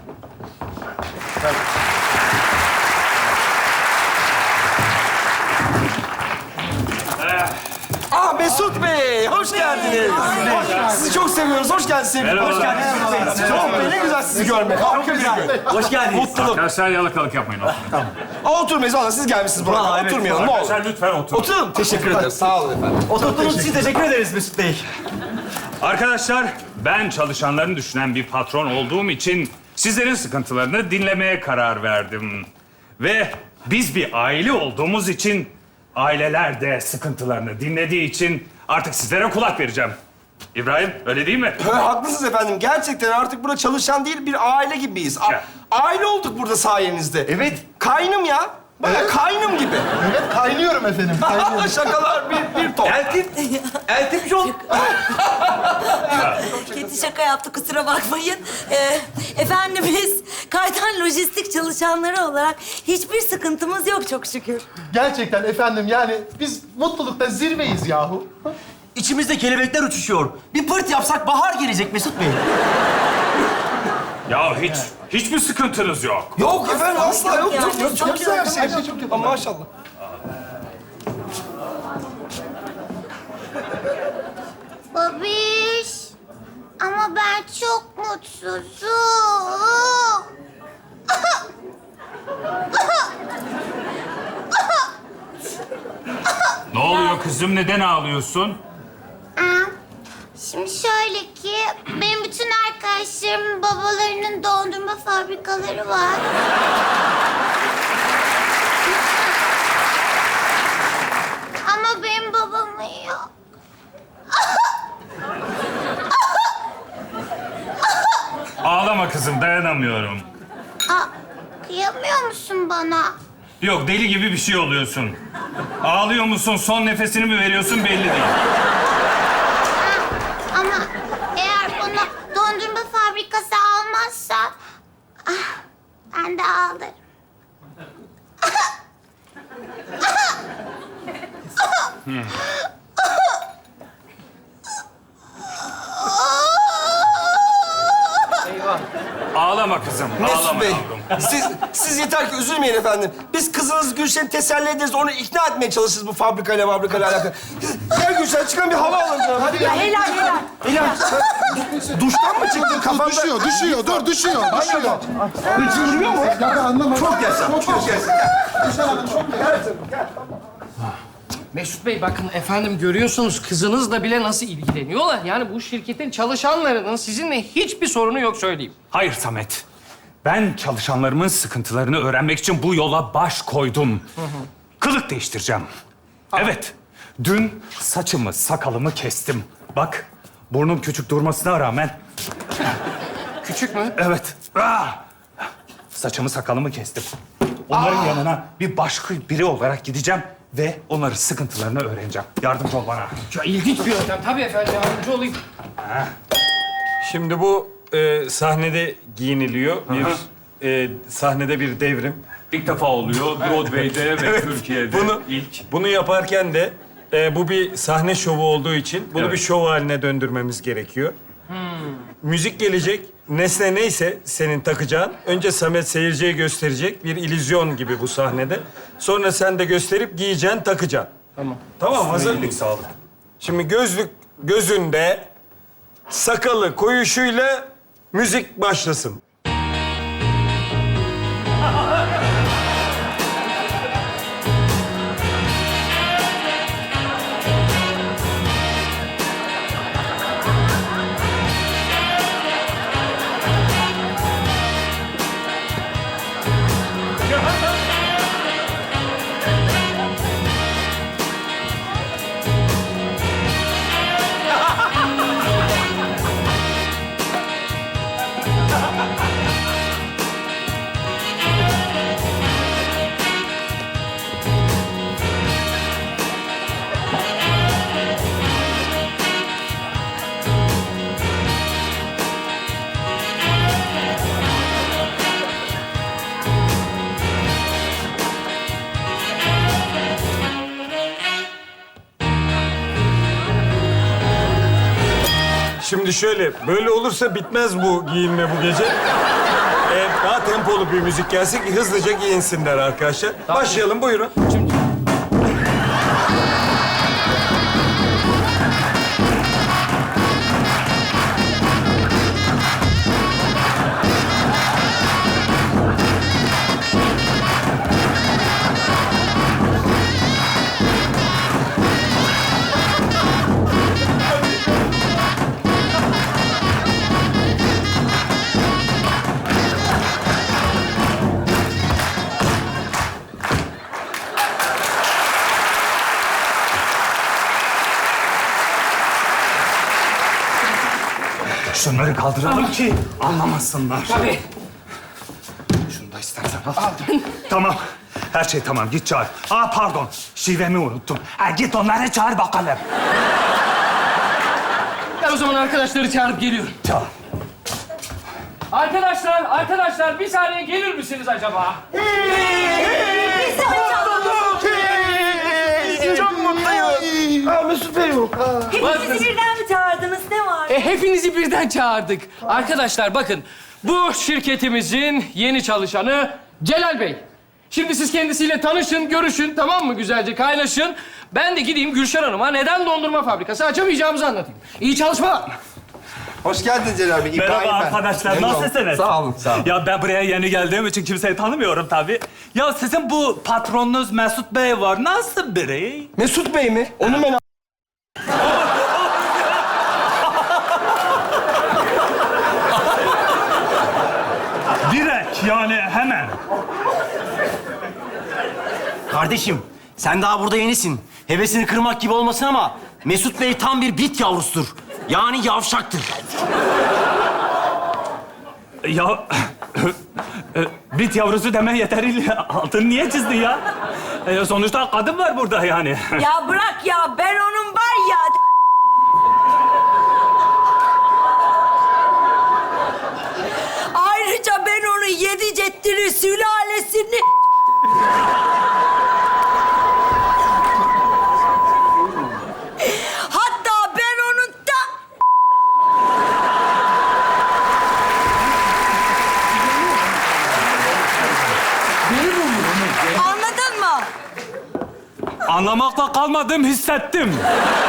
Mesut Bey, hoş geldiniz. Sizi çok seviyoruz. Hoş geldiniz sevgilim. Hoş geldiniz. Çok ne güzel sizi görmek. Harika bir gün. Hoş geldiniz. Mutluluk. Arkadaşlar yalakalık yapmayın. Oturmayız valla. Siz gelmişsiniz buraya. Evet. Oturmayalım ne olur. Arkadaşlar lütfen oturun. Oturun. Teşekkür ederim. Sağ olun efendim. Oturttuğunuz için teşekkür ederiz Mesut Bey. Arkadaşlar, ben çalışanlarını düşünen bir patron olduğum için sizlerin sıkıntılarını dinlemeye karar verdim. Ve biz bir aile olduğumuz için, aileler de sıkıntılarını dinlediği için artık sizlere kulak vereceğim. İbrahim, öyle değil mi? Haklısınız efendim. Gerçekten artık burada çalışan değil, bir aile gibiyiz. Ya. Aile olduk burada sayenizde. Evet. Kaynım ya. Baya kaynım gibi. Evet, kaynıyorum efendim. Kaynıyorum. Şakalar bir top. Eltim John. Kötü şaka yaptı, kusura bakmayın. Efendim biz Kaytan Lojistik çalışanları olarak hiçbir sıkıntımız yok çok şükür. Gerçekten efendim yani biz mutlulukta zirveyiz yahu. İçimizde kelebekler uçuşuyor. Bir pırt yapsak bahar gelecek Mesut Bey. Ya hiçbir sıkıntınız yok. Yok efendim asla yok. Yani. Çok güzel her şey. Her şey çok güzel. Maşallah. Babiş. Ama ben çok mutsuzum. Ne oluyor kızım? Neden ağlıyorsun? Şimdi şöyle ki, benim bütün arkadaşlarımın babalarının dondurma fabrikaları var. Ama benim babamın yok. Ağlama kızım, dayanamıyorum. Kıyamıyor musun bana? Yok, deli gibi bir şey oluyorsun. Ağlıyor musun, son nefesini mi veriyorsun belli değil. Ama eğer bana dondurma fabrikası almazsa... ben de ağlarım. Ağlama kızım, Mesut ağlama Bey, yavrum. siz yeter ki üzülmeyin efendim. Biz kızınız Gülşen'i teselli ederiz, onu ikna etmeye çalışırız bu fabrikayla alakalı. Gel Gülşen, çıkan bir hava alalım canım. Hadi gel. Helal. Hilal, sen duştan mı çıktın kafanda? Düşüyor. Düşüyor. Hiç yürüyor mu? Ya ben anlamadım. Çok yaşa, çok yaşa. Gülşen Hanım çok Mesut Bey bakın efendim görüyorsunuz kızınızla bile nasıl ilgileniyorlar. Yani bu şirketin çalışanlarının sizinle hiçbir sorunu yok söyleyeyim. Hayır Samet. Ben çalışanlarımın sıkıntılarını öğrenmek için bu yola baş koydum. Kılık değiştireceğim. Evet. Dün saçımı, sakalımı kestim. Bak, burnum küçük durmasına rağmen... Küçük mü? Evet. Saçımı, sakalımı kestim. Onların yanına bir başka biri olarak gideceğim ve onların sıkıntılarını öğreneceğim. Yardımcı ol bana. Ya ilginç bir yöntem. Tabii efendim yardımcı olayım. Şimdi bu sahnede giyiniliyor. Sahnede bir devrim. İlk defa oluyor Broadway'de ve Türkiye'de ilk. Bunu yaparken de bu bir sahne şovu olduğu için bunu Evet. bir şov haline döndürmemiz gerekiyor. Müzik gelecek. Nesne neyse senin takacağın. Önce Samet seyirciye gösterecek. Bir illüzyon gibi bu sahnede. Sonra sen de gösterip giyeceksin, takacaksın. Tamam, hazır mıyız? Sağlık. Şimdi gözlük gözünde, sakalı koyuşuyla müzik başlasın. Şimdi şöyle, böyle olursa bitmez bu giyinme bu gece. tempolu bir müzik gelsin ki hızlıca giyinsinler arkadaşlar. Başlayalım, buyurun. Şunları kaldıralım ki anlamasınlar. Tabii. Şunu da istersen al. Tamam. Her şey tamam. Git çağır. Aa pardon. Şivemi unuttum. Git onları çağır bakalım. Ben o zaman arkadaşları çağırıp geliyorum. Çağır. Arkadaşlar bir saniye gelir misiniz acaba? Çok mutluyuz. Mesut Bey yok. Hepinizi birden mi çağırdınız? Ne var? Hepinizi birden çağırdık. Arkadaşlar bakın, bu şirketimizin yeni çalışanı Celal Bey. Şimdi siz kendisiyle tanışın, görüşün, tamam mı? Güzelce kaynaşın. Ben de gideyim Gülşen Hanım'a neden dondurma fabrikası açamayacağımızı anlatayım. İyi çalışmalar. Hoş geldin Celal Bey. İbrahim Merhaba ben. arkadaşlar. Memnun oldum. Nasılsınız? Sağ olun, sağ olun. Ya ben buraya yeni geldiğim için kimseyi tanımıyorum tabii. Ya sizin bu patronunuz Mesut Bey var. Nasıl biri? Mesut Bey mi? Onu ben... Direkt yani hemen. Kardeşim, sen daha burada yenisin. Hevesini kırmak gibi olmasın ama Mesut Bey tam bir bit yavrusudur. Yani yavşaktır. Ya bit yavrusu deme yeteriyle altını niye çizdin ya? Sonuçta kadın var burada yani. Ya bırak ya, ben onun var ya... Ayrıca ben onun 7 ceddini, sülalesini... Hatta ben onun da... Anladın mı? Anlamakla kalmadım, hissettim.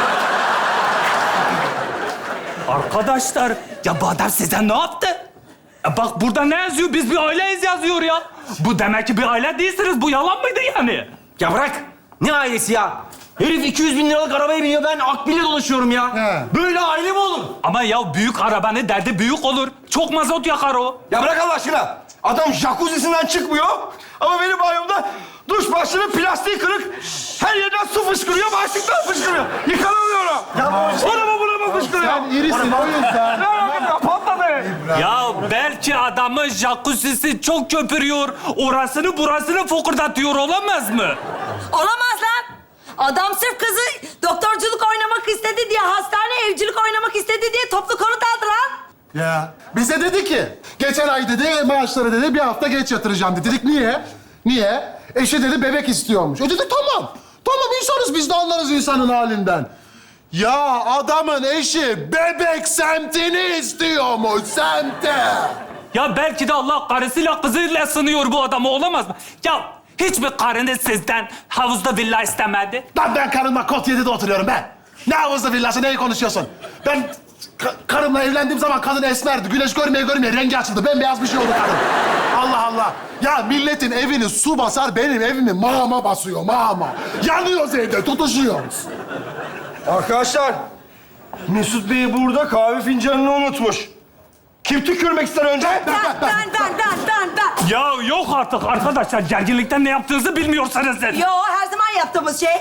Arkadaşlar, ya bu adam size ne yaptı? Bak burada ne yazıyor? Biz bir aileyiz yazıyor ya. Bu demek ki bir aile değilsiniz. Bu yalan mıydı yani? Ya bırak. Ne ailesi ya? Herif 200 bin liralık arabaya biniyor, ben akbil'le dolaşıyorum ya. Böyle aile mi olur? Ama ya büyük arabanın derdi büyük olur. Çok mazot yakar o. Ya bırak Allah aşkına. Adam jacuzzi'sinden çıkmıyor. Ama benim banyomda duş başlığının plastiği kırık. Her yerden su fışkırıyor, başlıktan fışkırıyor. Yıkanamıyorum. Ya buna mı fışkırıyor? Sen irisin o yüzden. Ne yapayım? Patladı. Ya belki adamın jacuzzi'si çok köpürüyor. Orasını burasını fokurdatıyor, olamaz mı? Olamaz lan. Adam sırf kızı doktorculuk oynamak istedi diye, hastane evcilik oynamak istedi diye toplu konut aldı lan. Ya bize dedi ki, geçen ay dedi maaşları dedi bir hafta geç yatıracağım dedi. Dedik niye? Niye? Eşi dedi bebek istiyormuş. Dedik tamam. Tamam insanız biz de anlarız insanın halinden. Ya adamın eşi bebek semtini istiyormuş, semti. Ya belki de Allah karısıyla kızıyla sınıyor bu adamı, olamaz mı? Ya hiçbir karınız sizden havuzda villa istemedi. Lan ben karımla Kot 7'de oturuyorum ben. Ne havuzlu villası, neyi konuşuyorsun? Ben karımla evlendiğim zaman kadın esmerdi. Güneş görmeye rengi açıldı. Bembeyaz bir şey oldu kadın. Allah Allah. Ya milletin evini su basar, benim evimi mağma basıyor, mağma. Yanıyoruz evde, tutuşuyoruz. Arkadaşlar, Mesut Bey burada kahve fincanını unutmuş. Kim tükürmek ister önce? Ben. Ya yok artık arkadaşlar, gerginlikten ne yaptığınızı bilmiyorsanız siz. Yo, her zaman yaptığımız şey.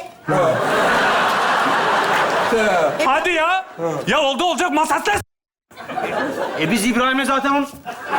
Hadi ya. Ya oldu olacak masasla. Biz İbrahim'le zaten onu...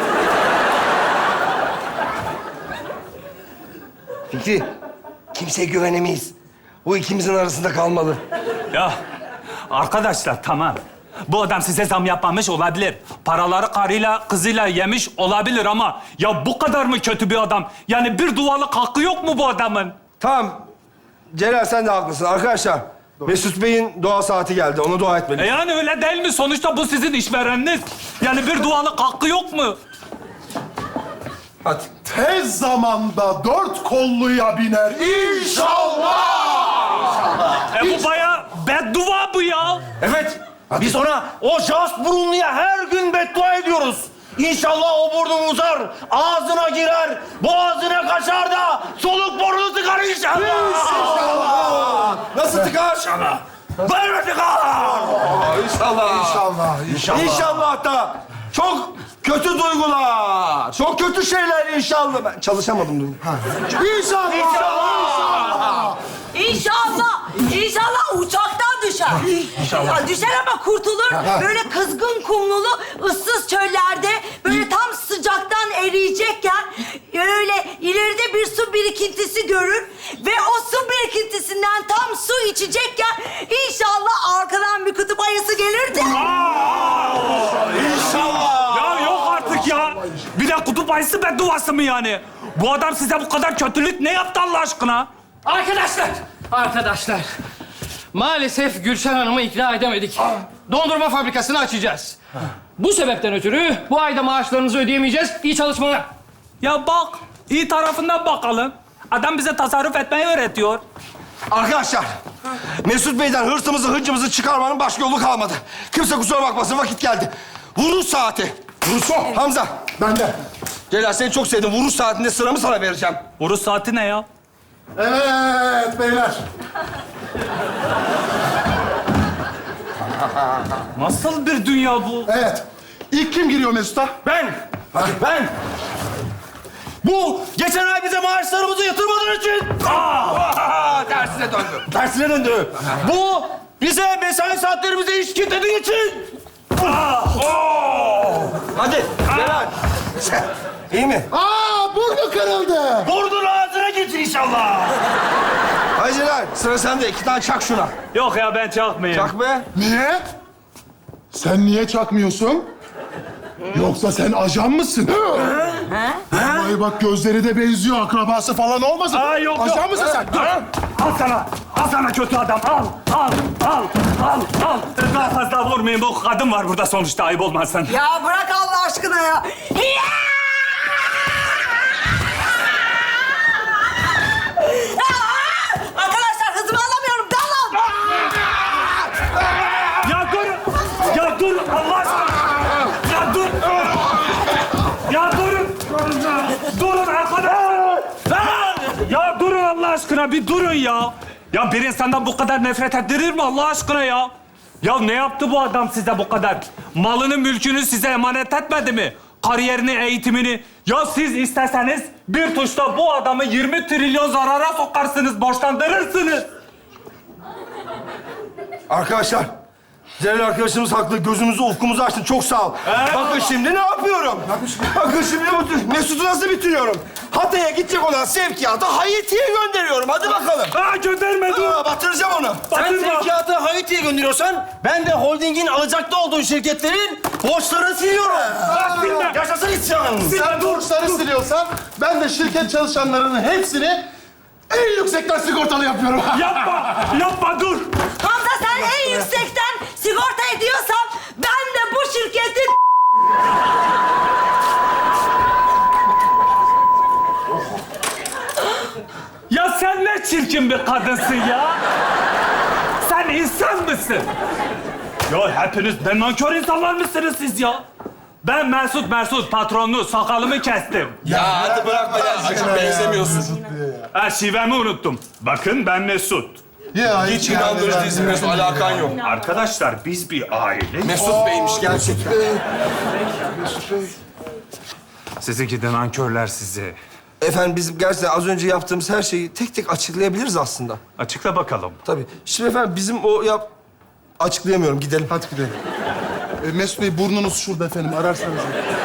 Fikri, kimseye güvenemeyiz. Bu ikimizin arasında kalmalı. Ya arkadaşlar tamam. Bu adam size zam yapmamış olabilir. Paraları karıyla, kızıyla yemiş olabilir ama... Ya bu kadar mı kötü bir adam? Yani bir dualık hakkı yok mu bu adamın? Tamam. Celal sen de haklısın. Arkadaşlar, Mesut Bey'in dua saati geldi. Ona dua etmeliyiz. Yani öyle değil mi? Sonuçta bu sizin işvereniniz. Yani bir dualık hakkı yok mu? Hadi. Tez zamanda 4 kolluya biner inşallah. Bu bayağı beddua bu ya. Evet. Biz ona o jas burunluya her gün beddua ediyoruz. İnşallah o burnun uzar, ağzına girer, boğazına kaçar da soluk burnunu tıkar inşallah. Nasıl tıkar? İnşallah. Böyle tıkar. İnşallah. İnşallah da çok kötü duygular, çok kötü şeyler inşallah. Ben çalışamadım dün. İnşallah. İnşallah uçaktan düşer. İnşallah. Düşer ama kurtulur. Böyle kızgın kumlulu, ıssız çöllerde böyle tam sıcaktan eriyecekken öyle ileride bir su birikintisi görür ve o su birikintisinden tam su içecekken inşallah arkadan bir kutup ayısı gelir de. İnşallah. Ya yok artık ya. Bir de kutup ayısı bedduası mı yani? Bu adam size bu kadar kötülük ne yaptı Allah aşkına? Arkadaşlar. Maalesef Gülşen Hanım'ı ikna edemedik. Dondurma fabrikasını açacağız. Bu sebepten ötürü bu ayda maaşlarınızı ödeyemeyeceğiz. İyi çalışmalar. Ya bak, iyi tarafından bakalım. Adam bize tasarruf etmeyi öğretiyor. Arkadaşlar, Mesut Bey'den hırsımızı, hıncımızı çıkarmanın başka yolu kalmadı. Kimse kusura bakmasın, vakit geldi. Vuruş saati. Vuruş. Hamza. Ben de. Celal seni çok sevdim. Vuruş saatinde sıramı sana vereceğim. Vuruş saati ne ya? Evet beyler. Nasıl bir dünya bu? Evet. İlk kim giriyor Mesut'a? Ben. Ben. Bu geçen ay bize maaşlarımızı yatırmadığın için. Tersine döndü. Tersine döndü. Bu bize mesai saatlerimize iş kitlediği için. Hadi Celal. İyi mi? Burnu kırıldı. Burnun ağzına getir inşallah. Hadi Celal, sıra sende. 2 tane çak şuna. Yok ya ben çakmayayım. Çak be. Niye? Sen niye çakmıyorsun? Yoksa sen ajan mısın? Ay bak gözleri de benziyor. Akrabası falan olmasın? Aa, yok, Ajan yok. mısın sen? Dur. Al sana kötü adam. Al. Daha fazla vurmayın. Bu kadın var burada sonuçta, ayıp olmazsan. Ya bırak Allah aşkına ya. Arkadaşlar hızımı alamıyorum. Dalın. Ya dur Allah aşkına. Ya dur. Ya durun. Durun arkadaşlar. Ya durun Allah aşkına, bir durun ya. Ya bir insandan bu kadar nefret ettirir mi Allah aşkına ya? Ya ne yaptı bu adam size bu kadar? Malını, mülkünü size emanet etmedi mi? Kariyerini, eğitimini. Ya siz isteseniz bir tuşla bu adamı 20 trilyon zarara sokarsınız, borçlandırırsınız. Arkadaşlar, Celal arkadaşımız haklı. Gözümüzü, ufkumuzu açtın. Çok sağ ol. Bakın şimdi ne yapıyorum? Bakın şimdi Mesut'u nasıl bitiriyorum? Hatay'a gidecek olan sevkiyatı Haiti'ye gönderiyorum. Hadi bakalım. Gönderme dur. Batıracağım onu. Sen sevkiyatı Haiti'ye gönderiyorsan ben de holdingin alacaklı olduğu şirketlerin borçlarını siliyorum. Yaşasın isyan. Sen borçları siliyorsan ben de şirket çalışanlarının hepsini en yüksekten sigortalı yapıyorum. Yapma dur. Hamza sen en yüksekten sigorta ediyorsan ben de bu şirketin... Ya sen ne çirkin bir kadınsın ya. Sen insan mısın? Ya hepiniz ne nankör insanlar mısınız siz ya? Ben Mesut patronlu sakalımı kestim. Ya hadi bırakma ya. Acım benzemiyorsun. Şivemi unuttum. Bakın ben Mesut. Ya, Hiç inandırıcı değilsin Mesut. Alakan yok. Arkadaşlar biz bir aile. Mesut Bey'miş gerçekten. Sizinki de nankörler sizi. Efendim biz gerçekten az önce yaptığımız her şeyi tek tek açıklayabiliriz aslında. Açıkla bakalım. Tabii. Şimdi efendim bizim açıklayamıyorum. Gidelim. Hadi gidelim. Mesut Bey burnunuz şurada efendim. Ararsanız.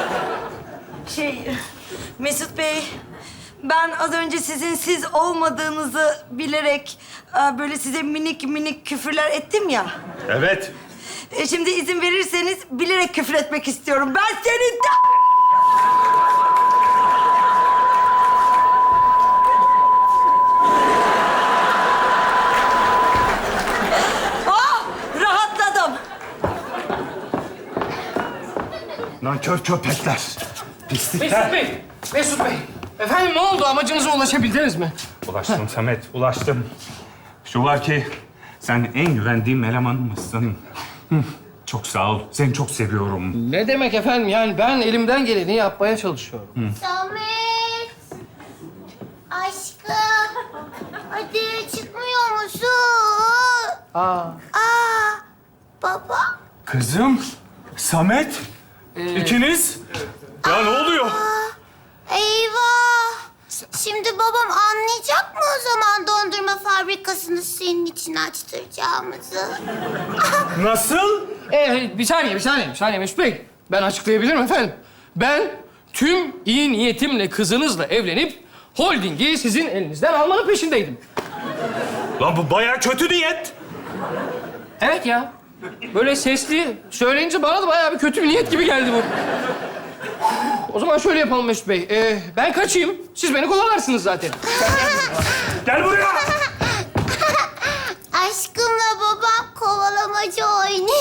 Mesut Bey, ben az önce sizin siz olmadığınızı bilerek böyle size minik minik küfürler ettim ya. Evet. Şimdi izin verirseniz bilerek küfür etmek istiyorum. Ben senin rahatladım. Nankör köpekler. Pislikler. Mesut Bey, Mesut Bey, efendim ne oldu? Amacınıza ulaşabildiniz mi? Ulaştım Samet, ulaştım. Şu var ki sen en güvendiğim elemanımsın. Çok sağ ol. Seni çok seviyorum. Ne demek efendim? Yani ben elimden geleni yapmaya çalışıyorum. Samet. Aşkım. Hadi çıkmıyor musun? Aa. Baba. Kızım, Samet. İkiniz. Ya ne oluyor? Eyvah. Şimdi babam anlayacak mı o zaman dondurma fabrikasını senin için açtıracağımızı? Nasıl? Bir saniye Mesut Bey. Ben açıklayabilirim efendim. Ben tüm iyi niyetimle kızınızla evlenip holdingi sizin elinizden almanın peşindeydim. Lan bu bayağı kötü niyet. Evet ya. Böyle sesli söyleyince bana da bayağı bir kötü bir niyet gibi geldi bu. O zaman şöyle yapalım Mesut Bey. Ben kaçayım. Siz beni kovalarsınız zaten. Gel buraya. Aşkımla babam kovalamacı oynuyor.